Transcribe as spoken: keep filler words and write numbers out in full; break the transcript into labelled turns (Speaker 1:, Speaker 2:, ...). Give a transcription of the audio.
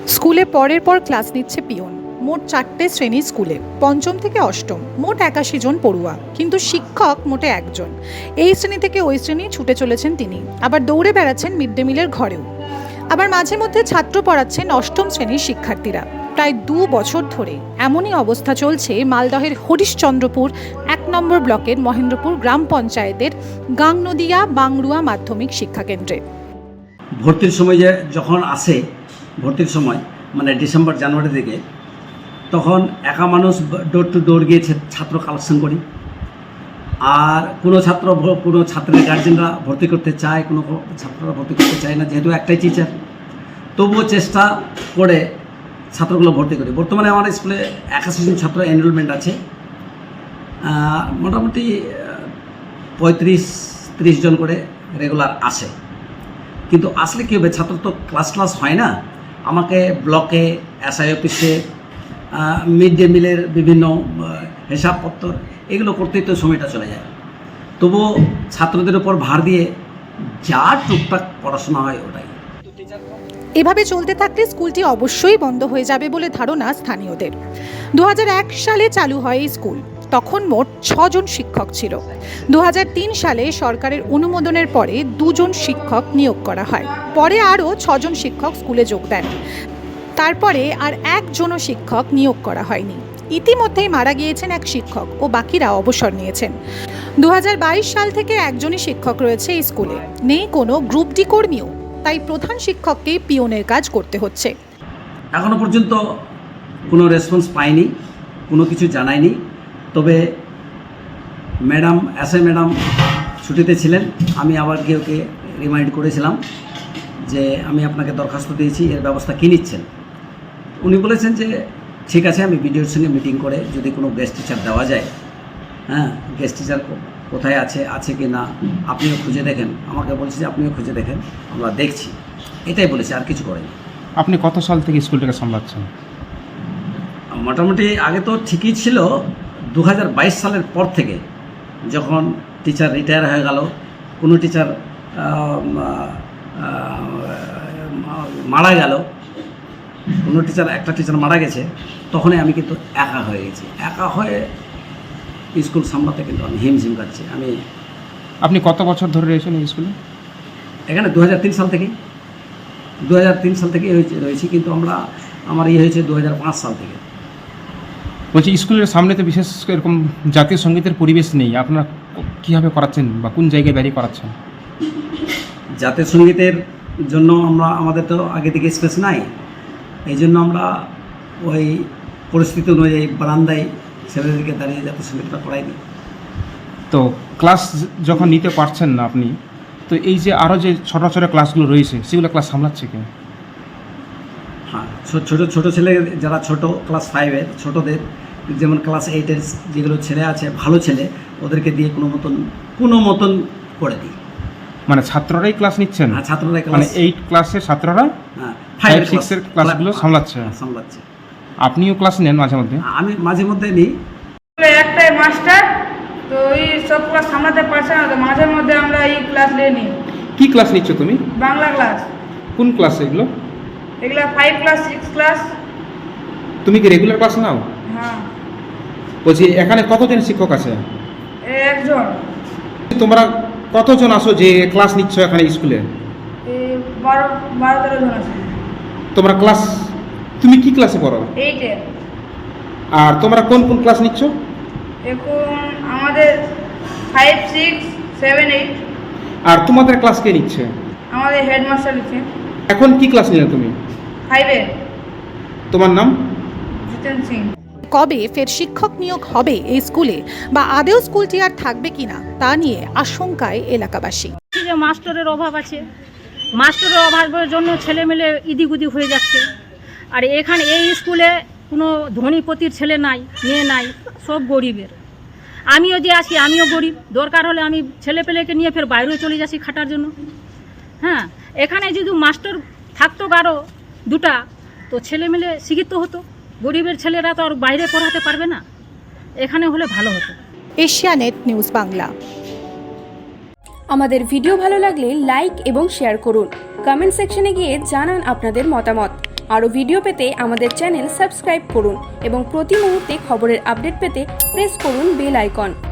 Speaker 1: স্কুলে পরের পর ক্লাস নিচ্ছে পিয়ন। মোট চারটে শ্রেণী স্কুলে, পঞ্চম থেকে অষ্টম, মোট একাশি জন পড়ুয়া, কিন্তু শিক্ষক মোটে একজন। এই শ্রেণী থেকে ওই শ্রেণী ছুটে চলেছেন তিনি, আবার দৌড়ে বেড়াচ্ছেন মিড ডে মিলের ঘরেও। আবার মাঝে মধ্যে ছাত্র পড়াচ্ছেন অষ্টম শ্রেণীর শিক্ষার্থীরা। প্রায় দু বছর ধরে এমনই অবস্থা চলছে মালদহের হরিশ্চন্দ্রপুর এক নম্বর ব্লকের মহেন্দ্রপুর গ্রাম পঞ্চায়েতের গাংনদিয়া বাংরুয়া মাধ্যমিক শিক্ষাকেন্দ্রে।
Speaker 2: ভর্তির সময় যে যখন আসে, ভর্তির সময় মানে ডিসেম্বর জানুয়ারি থেকে, তখন একা মানুষ ডোর টু ডোর গিয়ে ছাত্র কালেকশন করি। আর কোনো ছাত্র কোনো ছাত্রের গার্জেনরা ভর্তি করতে চায়, কোনো ছাত্ররা ভর্তি করতে চায় না, যেহেতু একটাই টিচার। তবুও চেষ্টা করে ছাত্রগুলো ভর্তি করি। বর্তমানে আমার স্কুলে একাশি জন ছাত্র এনরোলমেন্ট আছে। মোটামুটি পঁয়ত্রিশ ত্রিশ জন করে রেগুলার আসে। কিন্তু আসলে কী হবে, ছাত্র তো ক্লাস ক্লাস হয় না। আমাকে ব্লকে, এসআই অফিসে, মিড ডে মিলের বিভিন্ন হিসাবপত্র এগুলো করতেই তো সময়টা চলে যায়। তবুও ছাত্রদের উপর ভার দিয়ে যা টুকটাক পড়াশোনা হয় ওটাই।
Speaker 1: এভাবে চলতে থাকলে স্কুলটি অবশ্যই বন্ধ হয়ে যাবে বলে ধারণা স্থানীয়দের। দু হাজার এক সালে চালু হয় এই স্কুল। তখন মোট ছজন শিক্ষক ছিল। দু হাজার তিন সালে সরকারের অনুমোদনের পরে দুজন শিক্ষক নিয়োগ করা হয়। পরে আরও ছজন শিক্ষক স্কুলে যোগ দেন। তারপরে আর একজনও শিক্ষক নিয়োগ করা হয়নি। ইতিমধ্যেই মারা গিয়েছেন এক শিক্ষক ও বাকিরা অবসর নিয়েছেন। দু হাজার বাইশ সাল থেকে একজনই শিক্ষক রয়েছে এই স্কুলে। নেই কোনো গ্রুপ ডি কর্মীও, তাই প্রধান শিক্ষককেই পিয়নের কাজ করতে হচ্ছে।
Speaker 2: এখনো পর্যন্ত কোনো রেসপন্স পাইনি, কোনো কিছু জানায়নি। তবে ম্যাডাম, এসআই ম্যাডাম ছুটিতে ছিলেন। আমি আবার গিয়ে ওকে রিমাইন্ড করেছিলাম যে আমি আপনাকে দরখাস্ত দিয়েছি, এর ব্যবস্থা কী নিচ্ছেন। উনি বলেছেন যে ঠিক আছে, আমি বিডিওর সঙ্গে মিটিং করে যদি কোনো গেস্ট টিচার দেওয়া যায়, হ্যাঁ গেস্ট টিচার কোথায় আছে আছে কি না আপনিও খুঁজে দেখেন। আমাকে বলছে যে আপনিও খুঁজে দেখেন, আমরা দেখছি, এটাই বলেছি, আর কিছু করেনি।
Speaker 3: আপনি কত সাল থেকে স্কুলটাকে সামলাচ্ছেন?
Speaker 2: মোটামুটি আগে তো ঠিকই ছিল। দু হাজার বাইশ সালের পর থেকে যখন টিচার রিটায়ার হয়ে গেল, কোনো টিচার মারা গেল, কোনো টিচার একটা টিচার মারা গেছে, তখনই আমি কিন্তু একা হয়ে গেছি। একা হয়ে স্কুল সামলাতে কিন্তু আমি হিমঝিম কাটছি। আমি
Speaker 3: আপনি কত বছর ধরে রয়েছেন এই স্কুলে?
Speaker 2: এখানে দু হাজার তিন সাল থেকে দু হাজার তিন সাল থেকে রয়েছি, কিন্তু আমরা আমার ইয়ে হয়েছে দু হাজার পাঁচ সাল থেকে।
Speaker 3: বলছি, স্কুলের সামনে তো বিশেষ এরকম জাতীয় সঙ্গীতের পরিবেশ নেই, আপনারা কীভাবে করাচ্ছেন বা কোন জায়গায় বেরিয়ে করাচ্ছেন?
Speaker 2: জাতীয় সঙ্গীতের জন্য আমরা আমাদের তো আগে থেকে স্পেস নাই, এই জন্য আমরা ওই পরিস্থিতি অনুযায়ী বারান্দায় ছেলেদেরকে দাঁড়িয়ে জাতীয় সঙ্গীতটা করাই দিই। তো
Speaker 3: ক্লাস যখন নিতে পারছেন না আপনি, তো এই যে আরও যে ছোটো ছোটো ক্লাসগুলো রয়েছে সেগুলো ক্লাস সামলাচ্ছে কেন?
Speaker 2: হ্যাঁ, ছোটো ছোটো ছেলে যারা ছোটো ক্লাস ফাইভের ছোটোদের, যেমন ক্লাস এইটের যেগুলো ছেলে আছে ভালো ছেলে, ওদেরকে দিয়ে কোনো মতন কোনো মতন করে দিই।
Speaker 3: মানে ছাত্ররাই ক্লাস নিচ্ছেন?
Speaker 2: হ্যাঁ, ছাত্ররাই
Speaker 3: মানে এইট ক্লাসের ছাত্ররা
Speaker 2: হ্যাঁ
Speaker 3: ফাইভ সিক্সের ক্লাসগুলো সামলাচ্ছে
Speaker 2: সামলাচ্ছে
Speaker 3: আপনিও ক্লাস নেন মাঝে মধ্যে?
Speaker 2: আমি মাঝে মধ্যে নিই।
Speaker 4: একটাই মাস্টার, তো এই সব ক্লাস সামলাতে পারছে না, তো মাঝে মধ্যে আমরা এই ক্লাস নিয়ে নিই।
Speaker 3: কি ক্লাস নিচ্ছ তুমি?
Speaker 4: বাংলা ক্লাস। কোন
Speaker 3: ক্লাস এগুলো?
Speaker 4: এগুলো ফাইভ ক্লাস সিক্স ক্লাস।
Speaker 3: তুমি কি রেগুলার ক্লাস নাও?
Speaker 4: হ্যাঁ।
Speaker 3: বলছি, এখানে কতজন শিক্ষক আছে?
Speaker 4: একজন।
Speaker 3: তোমরা কতজন আসো যে ক্লাস নিচ্ছ এখানে স্কুলে?
Speaker 4: বারো বারো তেরো জন আছে।
Speaker 3: তোমরা ক্লাস, তুমি কি ক্লাসে পড়ো?
Speaker 4: এইটে।
Speaker 3: আর তোমরা কোন কোন ক্লাস নিচ্ছ
Speaker 4: এখন? আমাদের ফাইভ সিক্স সেভেন এইট।
Speaker 3: আর তোমাদের ক্লাস কে নিচ্ছে?
Speaker 4: আমাদের হেডমাস্টার নিচ্ছে।
Speaker 3: এখন কি ক্লাস নিলে তুমি?
Speaker 4: ফাইভে।
Speaker 3: তোমার নাম?
Speaker 4: জিতেন সিং।
Speaker 1: কবে ফের শিক্ষক নিয়োগ হবে এই স্কুলে, বা আদেও স্কুলটি আর থাকবে কিনা তা নিয়ে আশঙ্কায় এলাকাবাসী।
Speaker 5: যে মাস্টারের অভাব আছে, মাস্টারের অভাবের জন্য ছেলেমেলে ইদিগুদি হয়ে যাচ্ছে। আর এখানে এই স্কুলে কোনো ধনীপতির ছেলে নাই, মেয়ে নাই, সব গরিবের। আমিও যে আছি, আমিও গরিব। দরকার হলে আমি ছেলে পেলেকে নিয়ে ফের বাইরেও চলে যাচ্ছি খাটার জন্য। হ্যাঁ, এখানে যদি মাস্টার থাকতো কারো দুটা, তো ছেলেমেলে শিক্ষিত হতো। গরিবের ছেলেরা তো আর বাইরে পড়াতে পারবে না, এখানে হলে ভালো হতো।
Speaker 1: Asianet news Bangla.
Speaker 6: আমাদের ভিডিও ভালো লাগলে লাইক এবং শেয়ার করুন। কমেন্ট সেকশনে গিয়ে জানান আপনাদের মতামত। আরও ভিডিও পেতে আমাদের চ্যানেল সাবস্ক্রাইব করুন এবং প্রতি মুহূর্তে খবরের আপডেট পেতে প্রেস করুন বেল আইকন।